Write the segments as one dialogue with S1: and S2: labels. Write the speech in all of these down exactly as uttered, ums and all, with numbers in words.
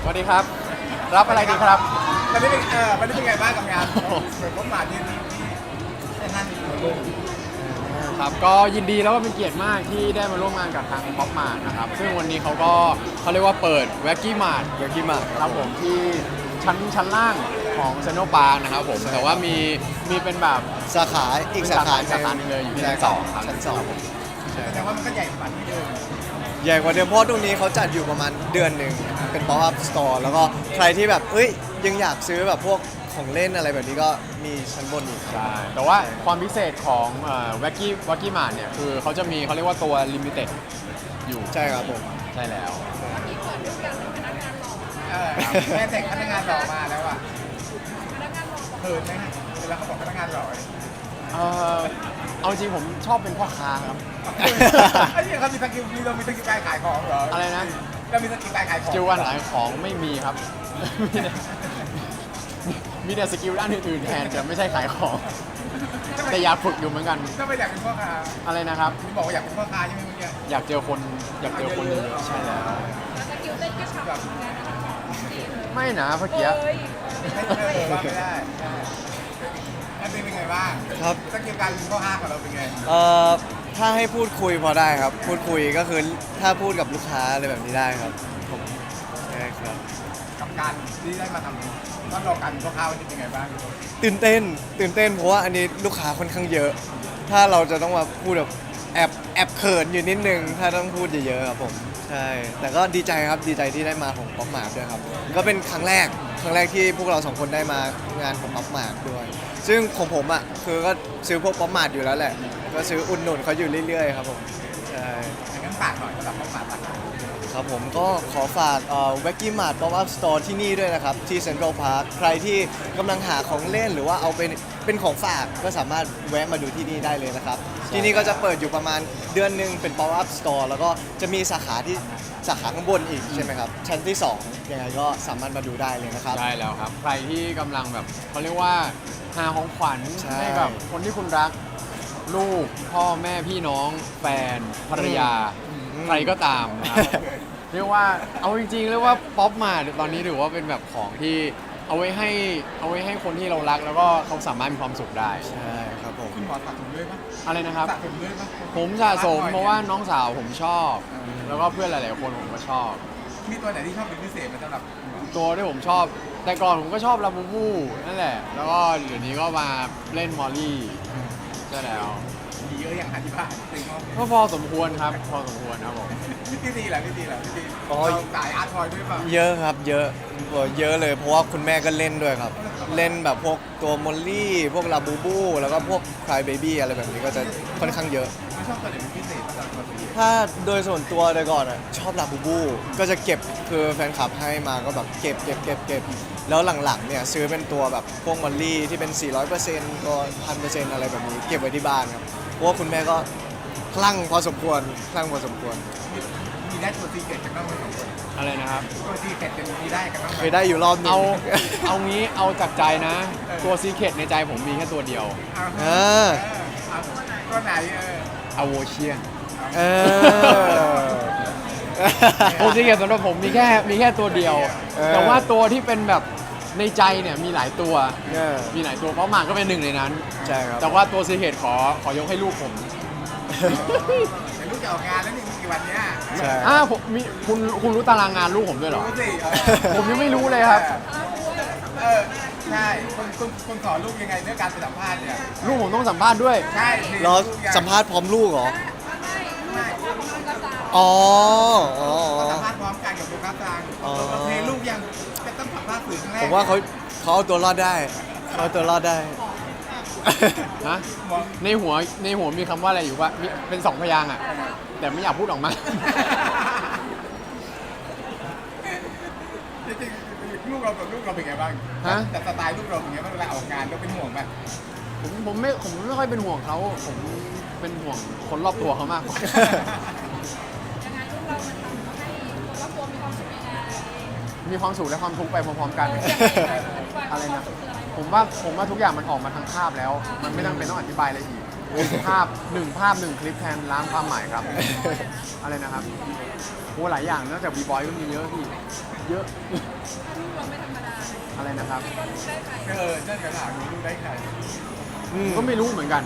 S1: วัสดีครับรับอะไรดีครับ
S2: วันนี้เป็นเออวันนี้เป็นไงบ้างกับงานเหมือนผมมาที่ที่ที่นั่นอยู่ลุง
S1: ครับก็ยินดีแล้วก็เป็นเกียรติมากที่ได้มาร่วมงานกับทางป๊อปมาร์ทนะครับซึ่งวันนี้เขาก็เขาเรียกว่าเปิดแว็กกี้มาร์ทแว็กกี้มาร์ทครับผมที่ชั้นชั้นล่างของเซนโนปาร์คนะครับผมแต่ว่ามีมีเป็นแบบ
S3: สาขาอีกสาขา
S1: สาขาหนึงเลยอยู่ที่ชั้นสองครับ
S3: ชั้นสอง
S2: แต่ว่ามันก็ใหญ่กว่าที่เดิม
S3: ใหญ่กว่าเดิมเพราะตรงนี้เขาจัดอยู่ประมาณเดือนหนึ่งเป็น pop up store แล้วก็ใครที่แบบเอ้ยยังอยากซื้อแบบพวกของเล่นอะไรแบบนี้ก็มีชั้นบนอีก
S1: ใช่แต่ว่าความพิเศษของแว็กกี้แว็กกี้มาร์ทเนี่ยคือเขาจะมีเขาเรียกว่าตัวลิมิเต็ดอยู่
S3: ใช่ครับผม
S1: ใช่แล้ว
S2: เออแม่แต่งพนักงานหล่อมาแล้วอ่ะเขินไหมฮะเวลาเขาบอกพนักงานหล่อ
S1: เออเอาจริงผมชอบเป็นพ่อค้าครับ
S2: ไอ้เนี่ยเขามีสกิลมีเรามีสกิลการขายของเหรอ
S1: อะไรนะ
S2: เรามีสกิลการขายของ
S1: สกิลการขายของไม่มีครับมีแต่มีแต่สกิลด้านอื่นๆแทนแต่ไม่ใช่ขายของแต่อยากฝึกอยู่เหมือนกัน
S2: ก็ไม่อยากเป็นพ่อค้า
S1: อะไรนะครับ
S2: ที่บอกว่าอยากเป็นพ่อค้าใช่ไหมเมื่อกี้
S1: อยากเจอคนอยากเจอคนเยอะๆใช่แล้ว
S4: สกิลเต้นก็ชับ
S1: ไม่นะเมื่อกี้
S2: ไม่ได้ว่าไม่ได้แล้วเป็นไงบ้าง
S3: ครับ
S2: สกิลการเป็นพ่อค้าของเราเป็นไง
S3: เอ่อถ้าให้พูดคุยพอได้ครับพูดคุยก็คือถ้าพูดกับลูกค้าอะไรแบบนี้ได้ครับผมใช่ครับ
S2: กับการที่ได้มาทำต้องรอการเป็นพ่อค้าวันนี้เป็นไงบ้าง
S3: ตื่นเต้นตื่นเต้นเพราะว่าอันนี้ลูกค้าค่อนข้างเยอะ ถ้าเราจะต้องมาพูดแบบแอบแอบเขินอยู่นิดนึงถ้าต้องพูดเยอะๆครับผมใช่แต่ก็ดีใจครับดีใจที่ได้มาของป๊อปมาร์ทด้วยครับก็เป็นครั้งแรกครั้งแรกที่พวกเราสองคนได้มางานของป๊อปมาร์ทด้วยซึ่งของผมอ่ะคือก็ซื้อพวกป๊อปมาร์ทอยู่แล้วแหละก็ซื้ออุดหนุนเขาอยู่เรื่อยๆครับผมใช่
S2: งั้นฝากหน่อยสำหรับป๊อปมาร์ท
S3: ครับผมก็ขอฝากแว็กกี้มาร์ทป๊อปอัพสโตร์ที่นี่ด้วยนะครับที่เซ็นทรัลพาร์คใครที่กำลังหาของเล่นหรือว่าเอาเป็นเป็นของฝากก็สามารถแวะมาดูที่นี่ได้เลยนะครับที่นี่ก็จะเปิดอยู่ประมาณเดือนหนึ่งเป็นป๊อปอัพสโตร์แล้วก็จะมีสาขาที่สาขาข้างบนอีกใช่ไหมครับชั้นที่สองยังไงก็สามารถมาดูได้เลยนะครับ
S1: ใช่แล้วครับใครที่กำลังแบบเขาเรียกว่าหาของขวัญให้กับคนที่คุณรักลูกพ่อแม่พี่น้องแฟนภรรยาใครก็ตามนะครับเรียกว่าเอาจริงๆเรียกว่าป๊อปมาตอนนี้ถือว่าเป็นแบบของที่เอาไว้ให้เอาไว้ให้คนที่เรารักแล้วก็เขาสามารถมีความสุขได้
S3: ใช่ครับผม
S2: คุณหมอสะสมด้วยปะ
S1: อะไรนะครับ
S2: สะสมด้วยปะ
S1: ผมสะสมเพราะว่าน้องสาวผมชอบแล้วก็เพื่อนหลายๆคนผมก็ชอบ
S2: มีตัวไหนที่ชอบเป็นพิเศษไหมสำหรับ
S1: ตัวที่ผมชอบแต่ก่อนผมก็ชอบลาบูบูนั่นแหละแล้วก็เดี๋ยวนี้ก็มาเล่นมอลลี่ใช่แล้ว
S2: มีเยอะอย่างอธิบาย
S1: ก็พอสมควรครับพอสมควรครับผม
S2: พี่ตีแหละพี่ตีแหละพี่ตีเราสายอาร์ตทอยด้วยป่ะ
S3: เยอะครับเยอะเยอะเลยเพราะว่าคุณแม่ก็เล่นด้วยครับเล่นแบบพวกตัวมอลลี่พวกลาบูบูแล้วก็พวกคลายเบบี้อะไรแบบนี้ก็จะค่อนข้างเยอะ
S2: ไม่ชอบตัวไหนเป็นพิเศษสำหรับตัวพี่
S3: ถ้าโดยส่วนตัวโดยก่อนอ่ะชอบลาบูบูก็จะเก็บคือแฟนคลับให้มาก็แบบเก็บเก็บเก็บเก็บแล้วหลังๆเนี่ยซื้อเป็นตัวแบบพวกมอลลี่ที่เป็น สี่ร้อยเปอร์เซ็นต์ ก็ หนึ่งพันเปอร์เซ็นต์ อะไรแบบนี้เก็บไว้ที่บ้านครับเพราะว่าคุณแม่ก็คลั่งพอสมควรคลั่งพอสมควร
S2: มีได้ตัวซีเกตจากน้องไหมสองคน
S1: อะไรนะครับ
S2: ตัวซีเกตเป็นมีได้กันน้อง
S3: เคยได้อยู่รอบนึง
S1: เอาเอางี้เอาจากใจนะตัวซีเคทในใจผมมีแค่ตัวเดียว
S3: เออ
S2: ตัวไหนเออ
S1: อโวเชียน
S3: เออ
S1: ตัวซีเคทสำหรับผมมีแค่มีแค่ตัวเดียวแต่ว่าตัวที่เป็นแบบในใจเนี่ยมีหลายตัวมีหลายตัวเพราะหมากก็เป็นหนึ่งในนั้น
S3: ใช่ครับ
S1: แต่ว่าตัวซีเคทขอขอยกให้ลูกผม
S2: เดี๋ยวลูกจะออกงานแล้วนี่มีกี่วันเนี้ย
S3: ใช่
S1: อ่าผมมีคุณคุณรู้ตารางงานลูกผมด้วยเหรอ
S2: รู้สิ
S1: ผมยังไม่รู้เลยครับ
S2: เออใช่คุณคุณคุณสอนลูกยังไงเรื่องการสัมภาษณ์เนี่ย
S1: ลูกผมต้องสัมภาษณ์ด้วย
S2: ใช่
S3: รอสัมภาษณ์พร้อมลูกเหรอ
S2: อ๋
S3: อ
S2: อ๋อสัมภาษณ์พร้อมกันกับลูกค้ากลางเพลงลูกยังจะต้องสัมภาษณ์สื่อครั้งแรก
S3: ผมว่าเขาเขาเอาตัวรอดได้เขาเอาตัวรอดได้
S1: ฮะในหัวในหัวมีคำว่าอะไรอยู่ว่าเป็นสองพยางค์อ่ะแต่ไม่อยากพูดออกมา
S2: จริงๆลูกเรากับลูกเราเป็นไงบ้าง
S1: ฮะ
S2: แต่สไตล์ลูกเราเป็นไงบ้างเวลาออกงานเราเป็นห่วงไหม
S1: ผมผมไม่ผมไม่ค่อยเป็นห่วงเขาผมเป็นห่วงคนรอบตัวเขามากกว่ามีความสุขและความทุกข์ไปพร้อมๆกันอะไรนะผมว่าผมว่าทุกอย่างมันออกมาทางภาพแล้วมันไม่ต้องเป็นต้องอธิบายอะไรอีกภาพหนึ่งภาพหนึ่งคลิปแทนล้างความหมายครับ อะไรนะครับโอ้หลายอย่างนอกจากบีบอยก็มีเยอะพี่เยอะ
S4: เราไม่ธรรมดา
S1: อะไรนะครับ
S4: ก็รู้ได้ใคร
S2: เออนั่นกระถางนี้ดูได้ใคร
S3: อืม
S1: ก็ไม่รู้เหมือนกัน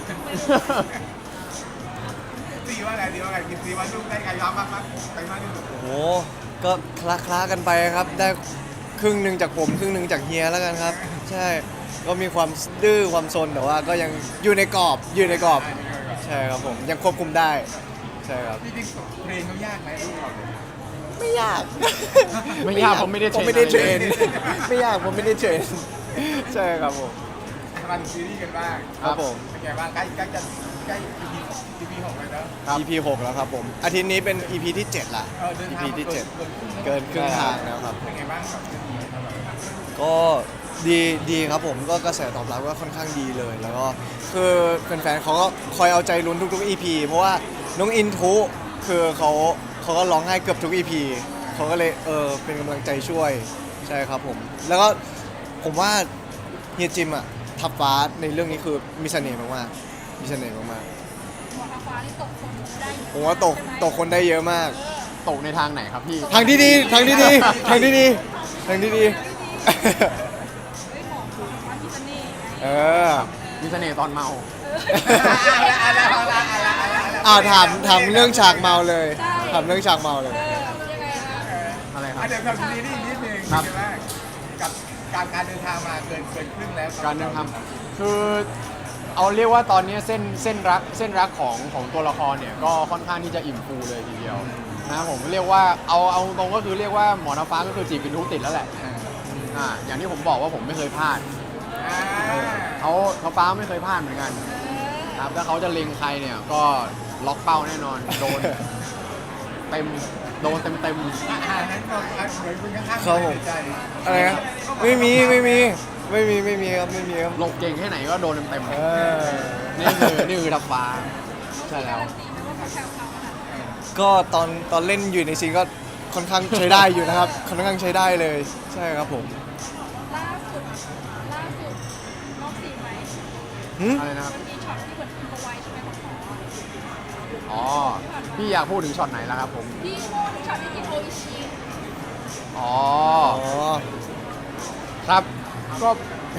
S2: ซีว่าไงซีว่าไงกินซีว่าดูได้ใครย้อมมากมั้ยไปมากที่สุด
S3: โอ้โหก็คละคลากันไปครับ ได้ครึ่งหนึ่งจากผมครึ่งหนึ่งจากเฮียแล้วกันครับ ใช่ ก็มีความดื้อความซนแต่ว่าก็ยังอยู่ในกรอบอยู่ในกรอบ ใช่ครับผมยังควบคุมได้ ใช่ครับ
S2: จริงๆเพลงเขายากไหมลูกเราเนี่ย
S3: ไม่ยาก
S1: ไม่ยากผมไม่ได้เทรน
S3: ผมไม่ได้เทรน
S1: อะไรเลย
S3: ไม่ยากผมไม่ได้เทรน ใช่ครับผม
S2: มาถึงซีรีส์กันบ้าง
S3: ครับผม
S2: เป็นไงบ้างใกล้ใกล้จะใกล้ อี พี อี พี หกเลยเนอะ
S1: ครับ
S3: อี พี หกแล้วครับผม อาทิตย์นี้เป็น อี พี ที่เจ็ดละ
S2: เออเดิน
S3: อี
S2: ทาง
S3: พี
S2: มา
S3: ที่
S2: เกิ
S3: เจ็
S2: น
S3: ด
S2: เกินครึ่งแล้ว
S3: เกินครึ่งทางแล้วครับ
S2: เป็นไงบ้างกับเรื่องนี้ครับ
S3: ก็ดีดีครับผมก็กระแสตอบรับก็ค่อนข้างดีเลย แล้วก็คือแฟนๆเขาก็คอยเอาใจลุ้นทุกๆ อี พี เพราะว่าน้องอินทุคือเขาเขาก็ร้องไห้เกือบทุก อี พี เขาก็เลยเออเป็นกำลังใจช่วยใช่ครับผม แล้วก็ผมว่าเฮียจิมอะทับฟ้าในเรื่องนี้คือมีเสน่ห์มากๆมีเสน่ห์มาก
S4: หมอทาฟ้านี่ตกคนได้
S3: ๆผมว่าตกตกคนได้เยอะมาก
S1: ตกในทางไหนครับพี่
S3: ทางที่ดีทางที่ดีทางที่ดีทางที่ดี
S4: เฮ้ยหมอทาฟ้ามีเสน่ห์ไง
S3: เออ
S1: มีเสน่ห์ตอนเมา
S2: เอาละเอาละเอาละเอาละเอาละ
S3: อ่าถามถามเรื่องฉากเมาเลยถามเรื่องฉากเมาเลย
S4: เออยังไงคะ
S1: อะไรครับ
S2: อ่ะเดี๋ยวทำซีรีส์นิดนึง
S1: ครับ
S2: ใช่ไหมกับการการเดินทางมาเกินเกินครึ่งแล้ว
S1: การเดินทางคือเอาเรียกว่าตอนนี้เส้นเส้นรักเส้นรักของของตัวละครเนี่ยก็ค่อนข้างที่จะอิ่มฟูเลยทีเดียวนะครับผมเรียกว่าเอาเอาตรงก็คือเรียกว่าหมอน้ำฟ้าก็คือจีบเป็นทุกติดแล้วแหละอ่าอย่างที่ผมบอกว่าผมไม่เคยพลาด
S2: อ่า
S1: เขาเขาฟ้าไม่เคยพลาดเหมือนกันครับถ้าเขาจะเล็งใครเนี่ยก็ล็อกเป้าแน่นอนโดนเต็มโดนเต็มเต็ม
S2: อ่านั้นก็อ่ะเหมือนคุณข้างๆ
S3: ครับผม
S2: ใจ
S3: อะไรนะไม่มีไม่มีไม่มีไม่มีครับไม่มีครับ
S1: หลบเก่งแค่ไหนก็โดนเต็มเต็ม
S3: เออ
S1: นี่คือนี่คือทับฟ้าใช่แล้ว
S4: ตีไม่ว่าเขาแซวเขาขนาดไหน
S3: ก็ตอนตอนเล่นอยู่ในซีนก็ค่อนข้างใช้ได้อยู่นะครับค่อนข้างใช้ได้เลยใช่ครับผม
S4: ล่าสุดล่าสุดนอกซีนไหม
S3: หึ
S1: อะไรนะครับ
S4: มันมีช็อตที่เหมือนคุณเอาไว้ใช่ไหมของหมอ
S1: อ๋อพี่อยากพูดถึงช็อตไหนแล้วครับผม
S4: พี่โมดช็อตที่กินโออิชิ
S1: อ๋อ
S3: อ๋อ
S1: ครับก็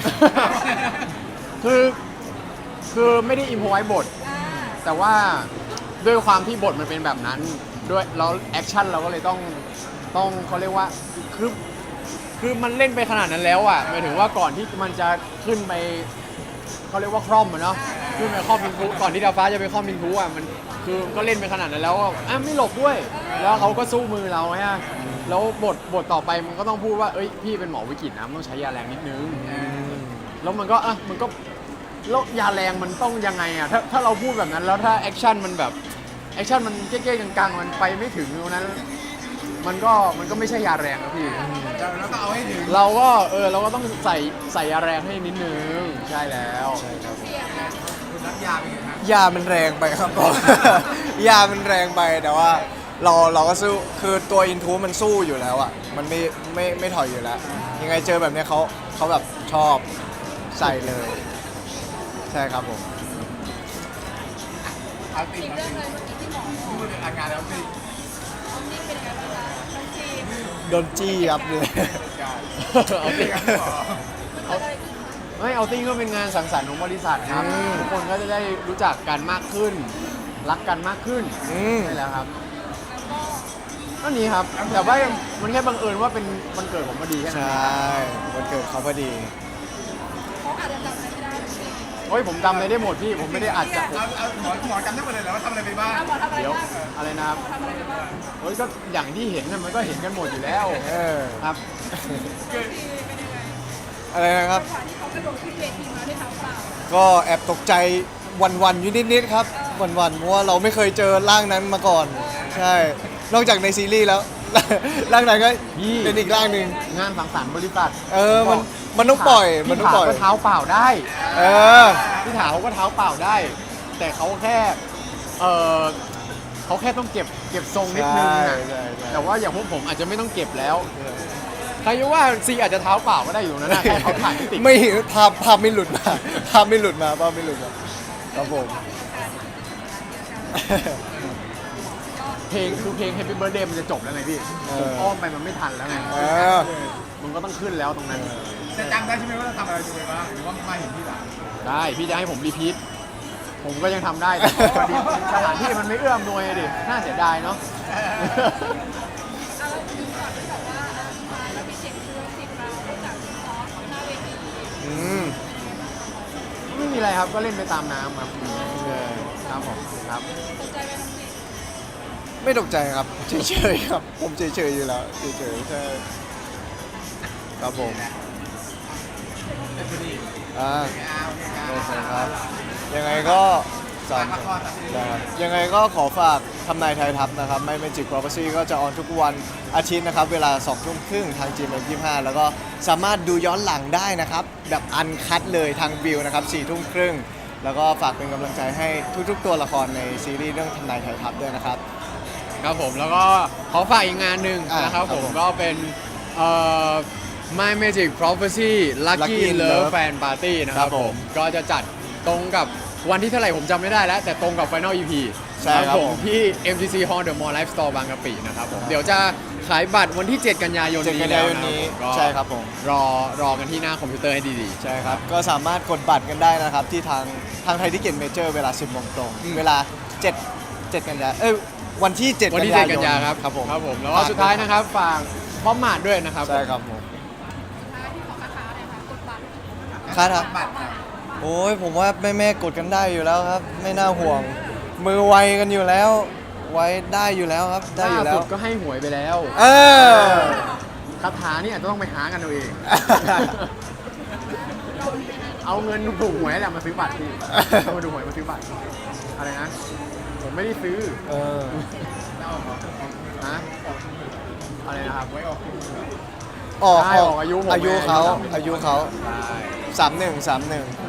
S1: คือคือไม่ได้อิมพอไว้บท
S4: อ่า
S1: แต่ว่าด้วยความที่บทมันเป็นแบบนั้นด้วยแล้วแอคชั่นเราก็เลยต้องต้องเขาเรียกว่าคือคือมันเล่นไปขนาดนั้นแล้วอ่ะหมายถึงว่าก่อนที่มันจะขึ้นไปเขาเรียกว่าคร่อมอะเนาะขึ้นไปคร่อมมินทุก่อนที่ดาวฟ้าจะไปคร่อมมินทุอ่ะมันคือก็เล่นไปขนาดนั้นแล้วอ่ะอ่ะไม่หลบด้วย แล้วเขาก็สู้มือเราฮะแล้วบทบทต่อไปมันก็ต้องพูดว่าเอ้ยพี่เป็นหมอวิกฤตนะมันต้องใช้ยาแรงนิดนึง แล้วมันก็อ่ะมันก็แล้วยาแรงมันต้องยังไงอ่ะถ้าถ้าเราพูดแบบนั้นแล้วถ้าแอคชั่นมันแบบแอคชั่นมันเก๊ๆกังๆมันไปไม่ถึงตรงนั้น มันก็มันก็ไม่ใช่ยาแรงนะพี่
S2: เราเราต้องเอาให้ถึง
S1: เราก็เออเราก็ต้องใส่ใส่ยาแรงให้นิดนึงใช่แล้ว
S4: เสียงนะ
S2: คุณรับยาไปไงครับ
S3: ยามันแรงไปครับ ผม ยามันแรงไปแต่ว่าเราเราก็สู้คือตัวอินทูมันสู้อยู่แล้วอ่ะมันไม่ไม่ไม่ถอยอยู่แล้ว ยังไงเจอแบบเนี้ยเขาเขาแบบชอบใส่เลย ใช่ครับผม
S2: เอาติ
S4: อี
S2: ง
S4: ก
S2: เอา
S4: เรื่อง
S2: ติง
S4: เลยเมื่อกี้ที่หมอบอก
S2: พูดอาการแล้วติง
S4: น้องนิ่งเป็นยังไงบ้างคะน้องทีม
S3: โดนจี้ยับเลย
S2: การ
S1: เอา
S2: ติ
S1: ติ้
S2: ง
S1: ง
S2: กับหมอ
S4: มันเกิดอะไรขึ้นคะ
S1: ไม่เอาติ้งก็เป็นงานสังสรรค์ของบริษัทครับ
S3: อืม
S1: ทุกคนก็จะได้รู้จักกันมากขึ้น รักกันมากขึ้น
S3: อืม
S1: ใช่แล้วครับ
S4: แล้วก็
S1: ก็นี้ครับแต่ว่ามันแค่บังเอิญว่าเป็นวันเกิดผมพอดีแค่
S3: ใช
S1: นั้นเอง่
S3: วันเกิดเขาพอดี
S4: เขาอาจจะจำอะไรไม่ได้หรือเปล่า
S1: โอ้ยผมจำอะไรได้หมดพี่ผมไม่ได้อัดจากผม
S2: เอาเอาหมอหมอจำได้หมดเลยเหรอว่าทำอะไรไปบ้าง
S4: อ่ะหมอทำอะไร
S1: เดี๋ยว
S4: บ้าง
S1: อะไรนะครับ
S4: หมอทำอะไรไปบ้าง
S1: โอ้ยก็อย่างที่เห็นน่ะมันก็เห็นกันหมดอยู่แล้ว
S3: เออ
S1: ครับ
S2: คือ
S4: ทีเป็นยังไง
S3: อะไรนะครับ
S4: จังหวะที่เขากระโดดขึ้นเวทีมาด้วยเท้าเปล่า
S3: ก็แอบตกใจวันๆอยู่นิดๆครับวันๆเพราะว่าเราไม่เคยเจอร่างนั้นมาก่อน ใช่ นอกจากในซีรีส์แล้ว ร่างนั้นก็
S1: พี่
S3: เป็นอีกร่างหนึ่ง
S1: งานสังสรรค์บริษัท
S3: เออมันมันต้องปล่อยมัน
S1: พี่
S3: ต้อง
S1: ถา
S3: ปล่อย
S1: ก็เท้าเปล่าได้
S3: เออ
S1: พี่ถาเขาก็เท้าเปล่าได้ แต่เขาแค่เออเขาแค่ต้องเก็บเก็บทรงนิดนึง
S3: ใช่
S1: นะ
S3: ใช่ใช่
S1: แต่ว่าอย่างพวกผมอาจจะไม่ต้องเก็บแล้วใครจะว่าซีอาจจะเท้าเปล่าก็ได้อยู่ตรงนั้นนะแค่เขาถ่ายไม่ติด
S3: ไม่ภาพภาพไม่หลุดมาภาพไม่หลุดมาภาพไม่หลุดมาครับผม
S1: เพลงคือเพลง Happy Birthday มันจะจบแล้วไงพี่
S3: เออ
S1: ผมอ้อมไปมันไม่ทันแล้วไง
S3: เออ
S1: มันก็ต้องขึ้นแล้วตรงนั้น
S2: จะจำได้ใช่ไหมว่าเราทำอะไรอยู่บ้างหรือว่ามาเห็นที่หลัง
S1: ได้พี่จะให้ผมรีพีทผมก็ยังทำได้แต่พอดีสถานที่มันไม่เอื้อมหน่วยดิน่าเสียดายเนาะ
S4: เอาเราดูก่อนที่แบบว่าเออมาแล้วมีเสียงคือสิบเราจากซอสหน้าเวที
S3: อืม
S1: ไม่มีอะไรครับก็เล่นไปตามน้ำครับ
S3: ใช่
S1: ครับผมครับ
S4: สนใจไปทำสิ
S3: ไม่ตกใจครับ เฉยๆครับ ผมเฉยๆอยู่แล้วเฉยๆใช่ครับผม
S2: เป็นพอดี
S3: อ่า
S2: เอาโอเค
S3: โอเค
S2: ค
S3: ค
S2: รั
S3: รั
S2: บบ
S3: ยังไงก็สา
S2: ฝาม กละครตัดสิน
S3: ได้ครับยังไงก็ขอฝากทำนายไทยทัพนะครับไม่ Magic Prophecy ก็จะออนทุกวันอาทิตย์นะครับ เวลาสองทุ่มครึ่งทาง จี เอ็ม ยี่สิบห้าแล้วก็สามารถดูย้อนหลังได้นะครับ แบบอันคัดเลยทางวิวนะครับสี่ทุ่มครึ่งแล้วก็ฝากเป็นกำลังใจให้ทุกๆ ตัวละครในซีรีส์เรื่องทำนายไทยทัพด้วยนะครับ
S1: ครับผมแล้วก็ขอฝากอีกงานหนึ่ง
S3: อ่ะ
S1: นะครับ
S3: ครับ
S1: ผม
S3: ผม
S1: ก็เป็นเอ่อ My Magic Prophecy Lucky
S3: Lucky
S1: Love
S3: Love
S1: Fan Party นะค
S3: ครั
S1: รับบ ผ
S3: ผม ม
S1: ก็จะจัดตรงกับวันที่เท่าไหร่ผมจำไม่ได้แล้ว แต่ตรงกับ Final อี พี
S3: ใช่ครับ
S1: ผม
S3: ผม
S1: ที่ เอ็ม ที ซี Hall The Mall Life Store บางกะปินะครับผมเดี๋ยวจะขายบัตรวันที่ เจ็ด กันยายน
S3: เจ็ด
S1: นี้
S3: กัน
S1: แล้
S3: ยา
S1: วย
S3: น
S1: นะครับ
S3: นี้
S1: ผมก็
S3: ใช่ครับผม
S1: รอรอกันที่หน้าคอมพิวเตอร์ให้ดีๆ
S3: ใช่ครับ ก็สามารถกดบัตรกันได้นะครับ ที่ทางทางไทยทิเก็ตเมเจอร์เวลา สิบโมงตรง
S1: อืม
S3: เวลาเจ็ด เจ็ดกันยาเอ้ยวันที่เจ็ด
S1: วันที่
S3: กัน
S1: เจ็ด
S3: ยายน
S1: กันยาครับ
S3: ครับผม
S1: ครับผมแล้วก็สุดท้ายนะครับฝากพร้อมหมาดด้วยนะครับ
S3: ใช่ครับผม
S4: ท้ายที่ขอคาถาเลยค่ะกดบัตร
S3: คาถา
S2: บัตรครับ
S3: โอ้ยผมว่าแม่แม่ๆกดกันได้อยู่แล้วครับ ไม่น่าห่วง มือไวกันอยู่แล้ว ไว้ได้อยู่แล้วครับ ได้อยู่
S1: ล่า
S3: แล้
S1: สุ
S3: ว
S1: ดก็ให้หวยไปแล้ว
S3: เออ
S1: คาถานี่อาจจะต้องไปหากันเอาเอง เอาเงินถูกหวยแหละมาซื้อบัตรพี่เอามาดูหวยมาซื้อบัตร อะไรนะ ผมไม่ได้ซื้อ
S3: เออ
S1: นะอะไรนะครับ
S2: ไว้ออก
S3: ออก
S1: ใช่ออกอายุผม
S3: อายุเขา
S1: ไง
S3: อายุเขา
S1: ใช่
S3: สามหนึ่งสามหนึ่ง
S1: ใ